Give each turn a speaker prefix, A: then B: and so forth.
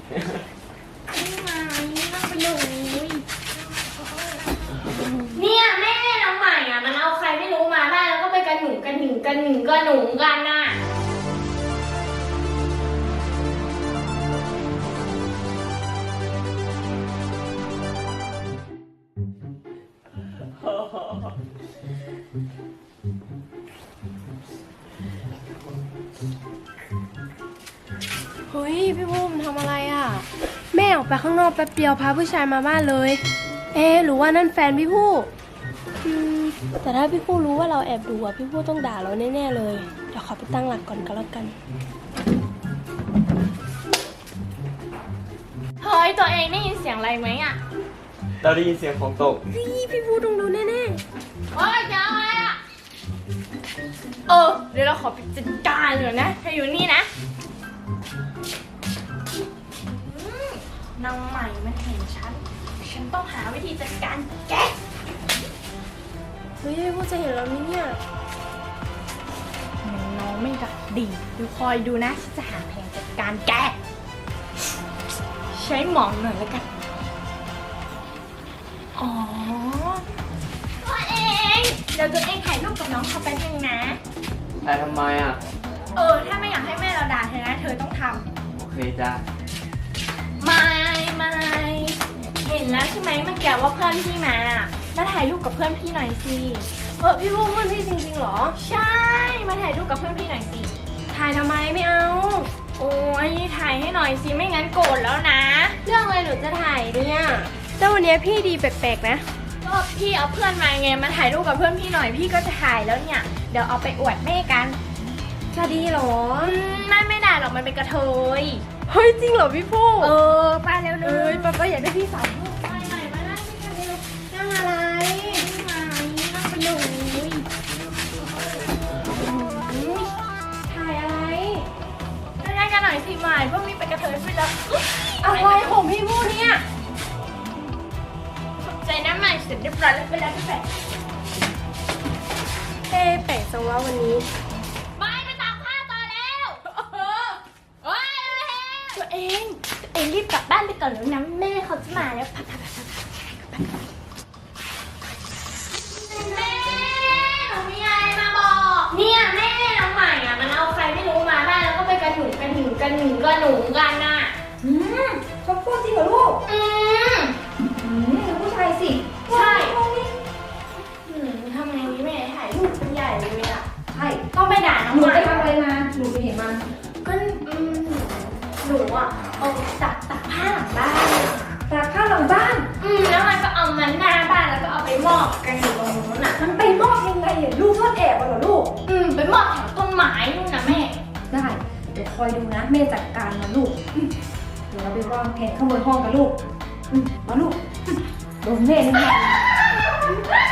A: นั่งไปเลยเนี่ยแม่น้องใหม่อ่ะมันเอาใครไม่รู้มาได้แล้วก็ไปกันหนูกันน่ะ
B: เฮ้ยพี่พุ่มทำอะไรอ่ะแม่ออกไปข้างนอกแป๊บเดียวพาผู้ชายมาบ้านเลยหรือว่านั่นแฟนพี่ผู้แต่ถ้าพี่ผู้รู้ว่าเราแอบดูอ่ะพี่ผู้ต้องด่าเราแน่ๆเลยเดี๋ยวขอไปตั้งหลักก่อนก็แล้วกัน
A: เฮ้ยตัวเองได้ยินเสียงอะไรไหมอ่ะ
C: เราได้ยินเสียงของตก
B: พี่ผู้ต้องดูแน่
A: เฮ้ยจะอะไรอ่ะเดี๋ยวเราขอไปจัดการเลยนะเธออยู่นี่นะนางใหม่มันเห็นฉันต้องหาวิธีจัดการแก
B: เฮ้ยพี่ผู้จะเห็นเราไหมเนี่ย
A: น้องไม่ดักดีดูคอยดูนะฉันจะหาแผนจัดการแกใช้หมองหน่อยแล้วกันตัวเองเดี๋ยวตัวเองถ่ายรูปกับน้องเขาไปนึงนะ
C: แต่ทำไมอ่ะ
A: ถ้าไม่อยากให้แม่เราด่าเธอนะเธอต้องท
C: โอเคจ้า
A: ำไม่เห็นแล้วใช่ไหมเมื่อกี้ว่าเพื่อนพี่มาแล้วถ่ายรูปกับเพื่อนพี่หน่อยสิ
B: พี่ผู้เพื่อนพี่จริงๆเหรอ
A: ใช่มาถ่ายรูปกับเพื่อนพี่หน่อยสิ
B: ถ่ายทำไมไม่เอา
A: โอ้ยถ่ายให้หน่อยสิไม่งั้นโกรธแล้วนะ
B: เรื่องอะไรหนูจะถ่ายเนี่ยแต่วันนี้พี่ดีแปลกๆนะ
A: ก็พี่เอาเพื่อนมาไงมาถ่ายรูปกับเพื่อนพี่หน่อยพี่ก็จะถ่ายแล้วเนี่ยเดี๋ยวเอาไปอวดแม่กัน
B: จะดีเหรอ
A: ไม่ได้หรอกมันเป็นกระเทย
B: เฮ้ยจริงเหรอพี่ผู้
A: ไปเร็วเล
B: เอ้
A: ย
B: ยป้าอยากได้พี่สาว
A: ไปไหนมาได้ไม่กันเร็ว
B: นั่งอะไร
A: นั่งไปเลย
B: ถ่ายอะไร
A: ได้กันหน่อยสิหมายพวกนี้เป็นกระเทยไปแล้ว
B: อะไรของพี่ผู้เนี่ย
A: ใจน้ำใหม่เสร็จเรียบร้อยแล้วไปแล้วพี่แฝด
B: แปลกจังว่าวันนี้
A: ไปตากผ้าต่อแล้วตัวเองรีบกลับบ้านไปก่อนแล้วนะแม่เขาจะมาแล้วแม่หนูมีอะไรมาบอกเนี่ยแม่น้องใหม่อ่ะมันเอาใครไม่รู้มาได้แล้วก็ไปกันหนูกันน่ะ
D: เขาพูดจริงเหรอลูกผู้ชายสิ
A: ใช่ทำไงนี้แม่ถ่ายรูปเป็นใหญ่เลยอ่ะ
D: ใช่
A: ต้องไปด่าน้อง
D: หนู
A: ใหม่
D: ไปทำอะไรมาหนูไปเห็นมัน
A: ก็หนูอ่ะตักผ้าหลังบ้าน
D: ตากผ้าหลังบ้าน
A: แล้วมันก็เอามันหน้าบ้านแล้วก็เอาไปมอบกันอยู่ตรงนู้นอ่ะ
D: มันไปมอบยังไงอ่ะลูกทอดแอบเหรอลูก
A: ไปมอบแถวต้นไม้นู่นนะแม่
D: ได้เดี๋ยวคอยดูนะแม่จัดการมันลูกเดี๋ยวเราไปวางแผนขโมยห้องกันลูกมาลูกโดนแม่แน่